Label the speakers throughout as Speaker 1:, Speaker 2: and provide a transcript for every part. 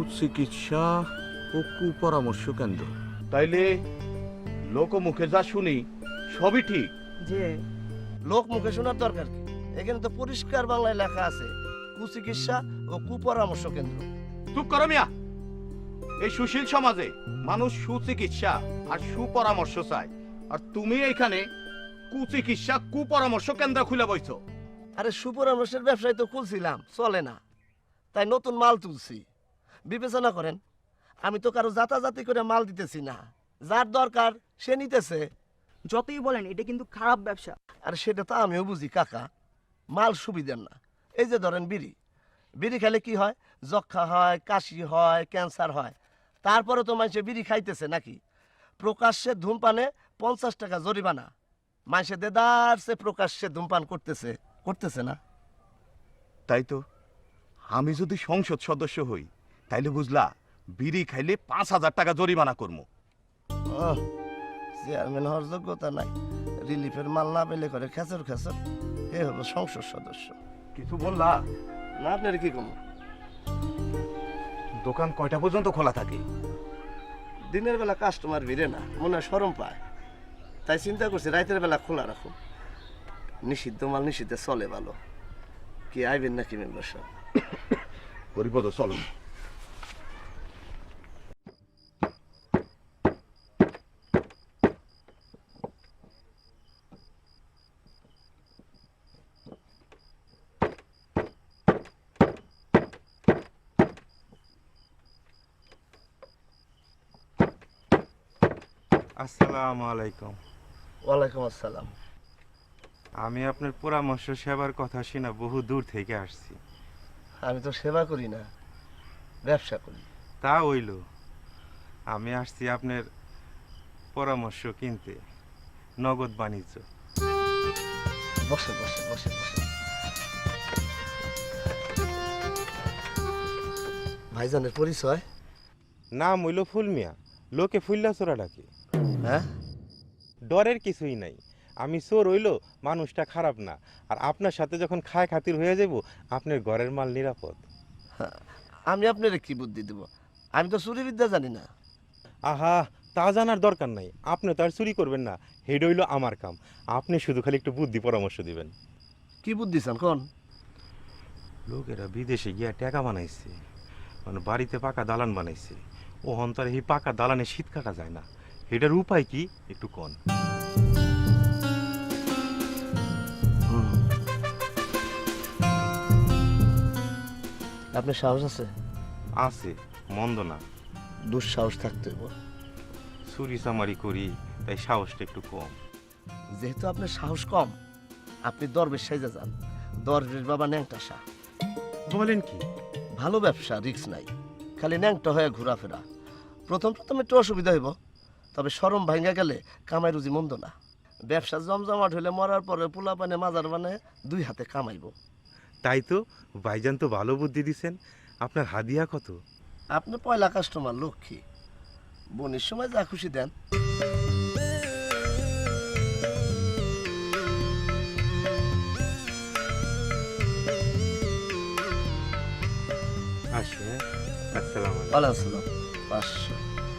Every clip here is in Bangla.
Speaker 1: কুচিকিৎসা ও কুপরামর্শ কেন্দ্র। তাইলে লোকমুখে যা শুনি সবই ঠিক।
Speaker 2: যে লোক মুখে শোনার দরকার কি? এখানে তো পরিষ্কার বাংলায় লেখা আছে কুচিকিৎসা ও কুপরামর্শ কেন্দ্র।
Speaker 1: চুপ করো মিয়া। এই সুশীল সমাজে মানুষ সুচিকিৎসা আর সুপরামর্শ চায়, আর তুমি এইখানে কুচিকিৎসা কুপরামর্শ কেন্দ্র খুলে বইছো।
Speaker 2: আরে সুপরামর্শের ব্যবসায় তো খুলছিলাম, চলে না, তাই নতুন মাল তুলছি। বিবেচনা করেন, আমি তো কারো জাতাজাতি করে মাল দিতেছি না, যার দরকার সে নিতেছে।
Speaker 3: যতই বলেন এটা কিন্তু খারাপ ব্যবসা।
Speaker 2: আর সেটা তো আমিও বুঝি কাকা, মাল সুবিধার না। এই যে ধরেন বিড়ি, বিড়ি খেলে কি হয়? যক্ষা হয়, কাশি হয়, ক্যান্সার হয়। তারপরে তো মানুষে বিড়ি খাইতেছে নাকি? প্রকাশ্যে ধূমপানে 50 টাকা জরিমানা। মানুষে দেদারসে প্রকাশ্যে ধূমপান করতেছে, করতেছে না?
Speaker 1: তাই তো, আমি যদি সংসদ সদস্য হই তাইলে বুঝলা বিড়ি খাইলে 5,000 টাকা জরিমানা করবো।
Speaker 2: চেয়ারম্যান হওয়ার যোগ্যতা নাই, রিলিফের মাল না পেলে করে খেচর খেচর, এ হলো সংসদ সদস্য।
Speaker 1: কিছু বললা?
Speaker 2: না, আপনার কি কম?
Speaker 1: দোকান কয়টা পর্যন্ত খোলা থাকে?
Speaker 2: দিনের বেলা কাস্টমার ভিড়ে না, মনে হয় শরম পায়, তাই চিন্তা করছি রাতের বেলা খোলা রাখো। নিষিদ্ধ মাল নিষিদ্ধে চলে ভালো। কি আইবেন নাকি মেম্বার সাহেব?
Speaker 1: হরিপদ চলো।
Speaker 4: আসসালামু আলাইকুম।
Speaker 2: ওয়ালাইকুম আসসালাম।
Speaker 4: আমি আপনার পরামর্শ সেবার কথা শুনে বহু দূর থেকে আসছি।
Speaker 2: আমি তো সেবা করি না, ব্যবসা করি।
Speaker 4: তা হইল, আমি আসছি আপনার পরামর্শ কিনতে, নগদ বাণিজ্য।
Speaker 2: বসে বসে বসে বসে। ভাইজানের পরিচয়?
Speaker 4: নাম হইল ফুলমিয়া, লোকে ফুল্লা চোরা ডাকে।
Speaker 2: হ্যাঁ,
Speaker 4: ডরের কিছুই নাই। আমি চোর হইল মানুষটা খারাপ না, আর আপনার সাথে যখন খায় খাতির হয়ে যাব আপনার ঘরের মাল নিরাপদ।
Speaker 2: আমি আপনার কি বুদ্ধি দেব? আমি তো চুরি বিদ্যা জানি না।
Speaker 4: আহা, তা জানার দরকার নাই, আপনি তো আর চুরি করবেন না, হেড হইল আমার কাম। আপনি শুধু খালি একটু বুদ্ধি পরামর্শ দিবেন।
Speaker 2: কি বুদ্ধি চান কোন?
Speaker 4: লোকেরা বিদেশে গিয়া টাকা বানাইছে, মানে বাড়িতে পাকা দালান বানাইছে। ও অন্তরে এই পাকা দালানে শীত কাটা যায় না, এটার উপায় কি একটু কন।
Speaker 2: আপনার সাহস আছে?
Speaker 4: আছে, মন্দ না।
Speaker 2: দুঃসাহস থাকতে হইব।
Speaker 4: চুরি চামারি করি, তাই সাহসটা একটু কম।
Speaker 2: যেহেতু আপনার সাহস কম, আপনি দরবেশ সাইজা যান। দরবেশ বাবা ন্যাংটা শাহ।
Speaker 4: বলেন কি?
Speaker 2: ভালো ব্যবসা, রিস্ক নাই, খালি ন্যাংটা হয়ে ঘোরাফেরা। প্রথম প্রথম একটু অসুবিধা হইব, তবে শরম ভাঙ্গা গেলে কামাই রুজি মন্দ না। ব্যবসা জমজমাট হইলে মরার পরে পোলা পানে মাজার মানে 2 হাতে কামাইব।
Speaker 4: তাই তো, ভাইজান তো ভালো বুদ্ধি দিছেন। আপনার হাদিয়া কত?
Speaker 2: আপনি পয়লা কাস্টমার, লক্ষ্মী। বোনের সময় যা খুশি দেন।
Speaker 4: আসে। আসসালামু আলাইকুম।
Speaker 2: ওয়ালাইকুম আসসালাম। 500।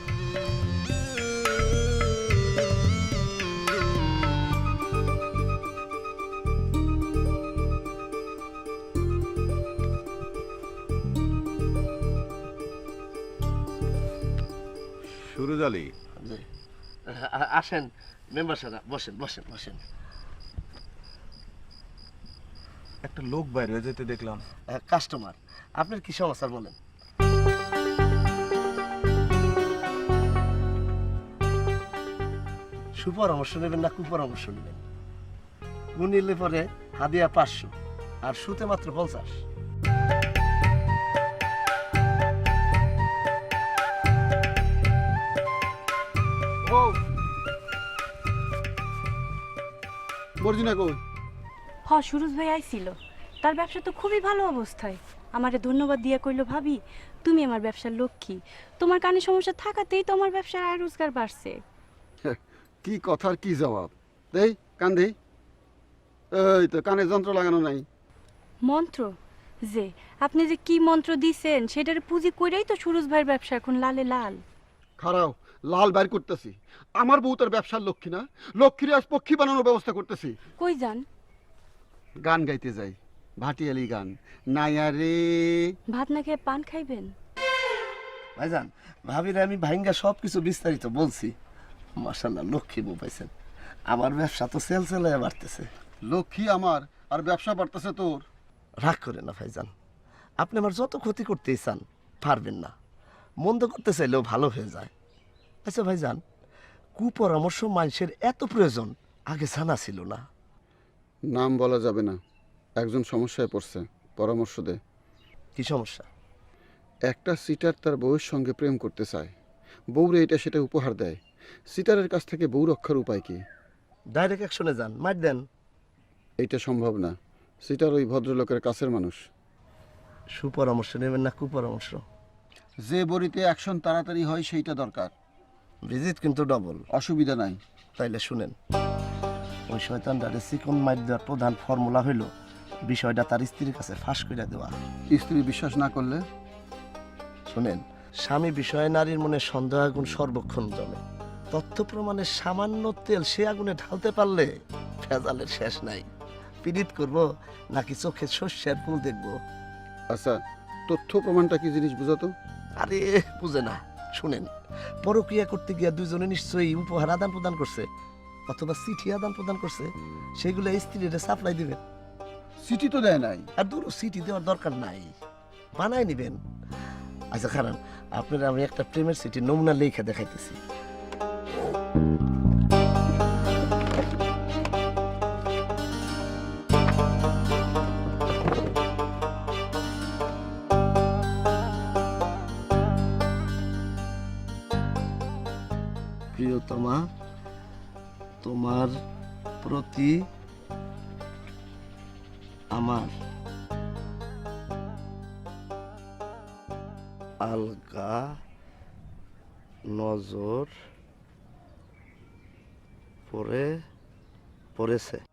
Speaker 1: সুরজ আলী,
Speaker 2: জি। আসেন মেম্বার সাহেব, বসেন বসেন বসেন।
Speaker 1: একটা লোক বাইরে হয়ে যেতে দেখলাম।
Speaker 2: কাস্টমার, আপনার কি সমস্যা বলেন? সুপরামর্শ নেবেন না কুপরামর্শ নেবেন? কু নিলে পরে হাদিয়া 500, আর সুতে মাত্র 50।
Speaker 5: বর্জিনা কই?
Speaker 6: সুরজ ভাই আইছিল, তার ব্যবসা তো খুবই ভালো অবস্থায়। আমারে ধন্যবাদ দিয়া কইলো, ভাবি তুমি আমার ব্যবসার লক্ষ্মী, তোমার কানে সমস্যা থাকাতেই তো আমার ব্যবসার আয় রোজগার বাড়ছে।
Speaker 5: কি কথার কি জবাব দেই? কান দেই। এই তো কানে যন্ত্র লাগানো নাই।
Speaker 6: মন্ত্র যে আপনি যে কি মন্ত্র দিছেন সেটার পুঁজি কইরাই তো সুরজ ভাইয়ের ব্যবসা এখন লালে লাল।
Speaker 5: খারাও লাল বাইর করতেছি। আমার বউ তার ব্যবসার লক্ষ্মী না, লক্ষ্মীর আজ পক্ষী বানানোর ব্যবস্থা করতেছি।
Speaker 6: কই যান?
Speaker 5: গান গাইতে যাই, ভাটিয়ালি গান। নাইয়া রে
Speaker 6: ভাত না খেয়ে পান খাইবেন?
Speaker 2: ভাইজান, ভাবিরে আমি ভাইঙ্গা সব কিছু বিস্তারিত বলছি। মাশাল্লাহ, লক্ষ্মী বউ পাইছেন। আমার ব্যবসা তো সেল সেলায় বাড়তেছে।
Speaker 5: লক্ষ্মী আমার, আর ব্যবসা বাড়তেছে তোর।
Speaker 2: রাগ করে না ভাইজান, আপনি আমার যত ক্ষতি করতেই চান পারবেন না। মন্দ করতে চাইলেও ভালো হয়ে যায়। আচ্ছা ভাইজান, কুপরামর্শ মানুষের এত প্রয়োজন আগে জানা ছিল না।
Speaker 5: নাম বলা যাবে না, একজন সমস্যায় পড়ছে, পরামর্শ দে।
Speaker 2: কি সমস্যা?
Speaker 5: একটা সিটার তার বউয়ের সঙ্গে প্রেম করতে চায়, বউরে এটা সেটা উপহার দেয়। সিটারের কাছ থেকে বউ রক্ষার উপায় কি?
Speaker 2: ডাইরেক্ট অ্যাকশনে যান, মার দেন।
Speaker 5: এইটা সম্ভব না, সিটার ওই ভদ্রলোকের কাছের মানুষ।
Speaker 2: সুপরামর্শ নেবেন না কুপরামর্শ?
Speaker 5: যে বড়িতে অ্যাকশন তাড়াতাড়ি হয় সেইটা দরকার।
Speaker 2: ভিজিট কিন্তু ডবল।
Speaker 5: অসুবিধা নাই।
Speaker 2: তাইলে শুনেন, ওই শয়তানটারে চিকন মাইর দেওয়ার প্রধান ফর্মুলা হইল বিষয়টা তার স্ত্রীর কাছে ফাঁস করে দেওয়া।
Speaker 5: স্ত্রী বিশ্বাস না করলে?
Speaker 2: শুনেন, স্বামী বিষয়ে নারীর মনে সন্দেহ আগুন সর্বক্ষণ জমে। তথ্য প্রমাণের সামান্য তেল সে আগুনে ঢালতে পারলে ভেজালের শেষ নাই। পীড়িত করব নাকি চোখে শস্যের ফুল দেখব?
Speaker 5: আচ্ছা, তথ্য প্রমাণটা কি জিনিস বুঝাতো?
Speaker 2: আরে বুঝে না। শুনেন, পরক্রিয়া করতে গিয়া দুজনে নিশ্চয়ই উপহার আদান প্রদান করছে, অথবা চিঠি আদান প্রদান করছে। সেগুলো স্ত্রীরা সাপ্লাই দিবেন।
Speaker 5: চিঠি তো দেয় নাই।
Speaker 2: আর দূর সিটি দেওয়ার দরকার নাই, বানাই নিবেন। আচ্ছা খারান, আপনারা আমি একটা প্রেমের সিটি নমুনা লেখা দেখাইতেছি। প্রিয়তমা, তোমার প্রতি আমার আলগা নজর পড়েছে।